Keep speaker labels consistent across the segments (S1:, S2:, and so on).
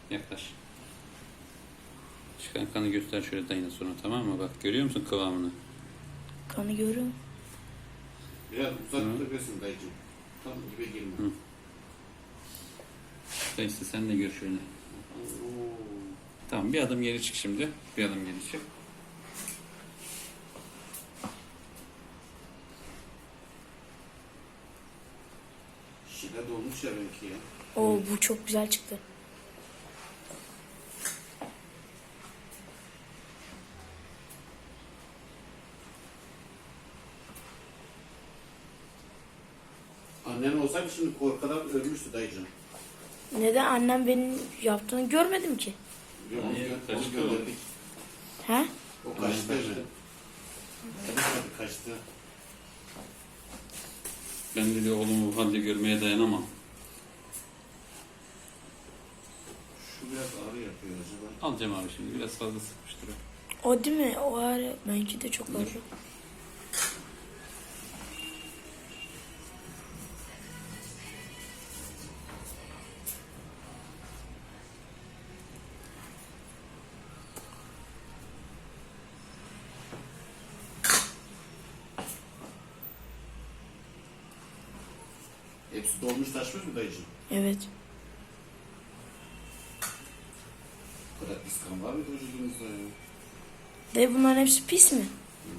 S1: Yaklaş. Çıkan kanı göster şöyle dayına sonra, tamam mı? Bak görüyor musun kıvamını?
S2: Kanı görüyorum.
S3: Biraz uzak tutabilirsin dayıcığım. Tam dibe girme.
S1: Hı. Dayısı sen de gör şöyle.
S3: Oo.
S1: Tamam, bir adım geri çık şimdi. Bir adım geri çık.
S3: Şile dolmuş ya belki ya.
S2: Oo bu çok güzel çıktı.
S3: Annen olsaydı şimdi korkadan ölmüştü dayıcığım.
S2: Neden annem benim yaptığını görmedim ki?
S3: Yok,
S1: Hayır,
S3: onu
S1: kaçtı
S3: gönderdik.
S2: He?
S3: O kaçtı.
S1: Kaçtı.
S3: Hadi kaçtı.
S1: Ben dedi oğlumu bu halde görmeye dayanamam.
S3: Şu biraz ağrı yapıyor acaba.
S1: Alacağım abi şimdi, biraz fazla sıkmıştır o.
S2: O değil mi? O ağrı. Benimki de çok ağrı.
S3: Hepsi dolmuş taşmış mı dayıcığım?
S2: Evet.
S3: Bu kadar pis kan var mıydı vücudunuzda ya?
S2: De bunların hepsi pis mi?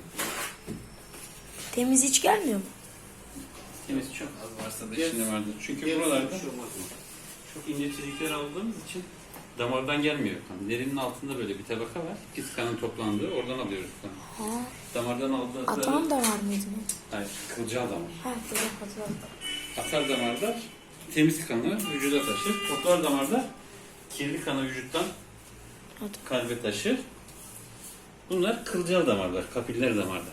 S2: Temiz hiç gelmiyor mu?
S1: Temiz çok az varsa da
S3: Gel-
S1: içinde vardır. Çünkü
S3: Gel,
S1: buralarda
S3: bir şey olmaz mı?
S1: çok ince çizikler aldığımız için damardan gelmiyor kan. Derinin altında böyle bir tabaka var. Pis kanın toplandığı, oradan alıyoruz kanı.
S2: Ha.
S1: Damardan aldığımızda...
S2: Atan da var mıydı?
S1: Hayır, kılcal damar.
S2: Ha böyle hatırladım.
S1: Atar damarda temiz kanı vücuda taşır. Toplar damarda kirli kanı vücuttan
S2: Hadi.
S1: kalbe taşır. Bunlar kılcal damarlar, kapiller damarlar.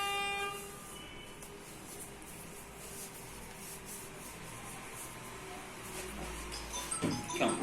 S1: Tamam.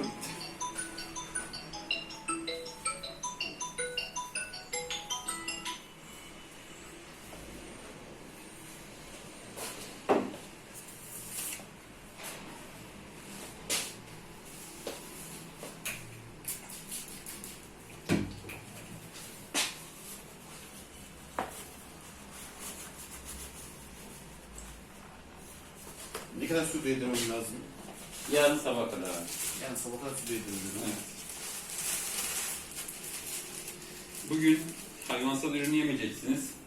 S3: Ne kadar su değdirmem lazım?
S1: Yarın sabah kadar abi.
S3: Yani sabah kadar su değdirmem.
S1: Evet. Bugün hayvansal ürün yemeyeceksiniz.